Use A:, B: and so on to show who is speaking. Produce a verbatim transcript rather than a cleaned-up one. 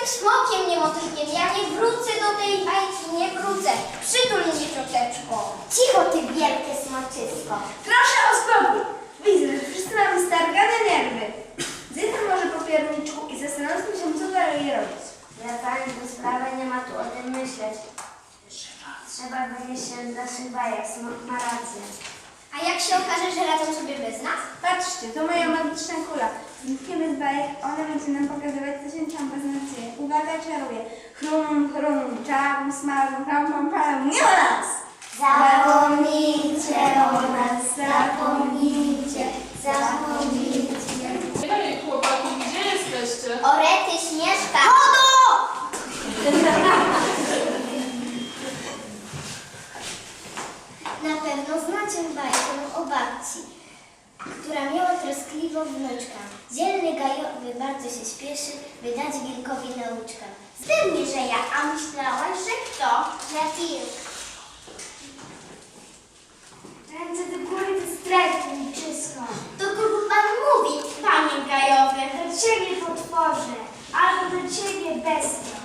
A: smokiem, nie motylkiem. Ja nie wrócę do tej bajki, nie wrócę. Przytul mnie, cioteczko. Cicho, ty wielkie smoczysko.
B: Proszę o spokój. Widzę, że wszyscy mamy stargane nerwy. Zjedzę może po pierniczku i zastanówmy się, co dalej robić.
C: Wracając do sprawy, nie ma tu o tym myśleć. Trzeba wynieść się z naszych bajek, smok ma rację.
A: A jak się okaże, że radzą sobie bez nas?
B: Patrzcie, to moja magiczna kula. Znikniemy z bajek, ona będzie nam pokazywać, co się tam beznacznie. Uwaga, czaruję. Chrum, chrum, czarm, smarm, pam, pam, pam. Nie ma nas!
A: Zapomnijcie o nas, zapomnijcie, zapomnijcie.
D: Hej, chłopaki, gdzie jesteście?
A: O rety, Śnieżka! Chodo! Na pewno znacie bajkę o babci, która miała troskliwą wnuczkę. Dzielny gajowy bardzo się śpieszy, by dać wilkowi nauczkę. Pewnie, że ja, a myślałaś, że kto? Że wilk.
C: Ręce do góry, to strajk wilczysko.
A: Do kogo pan mówi, panie gajowy?
C: Do ciebie potworze, albo do ciebie bestio.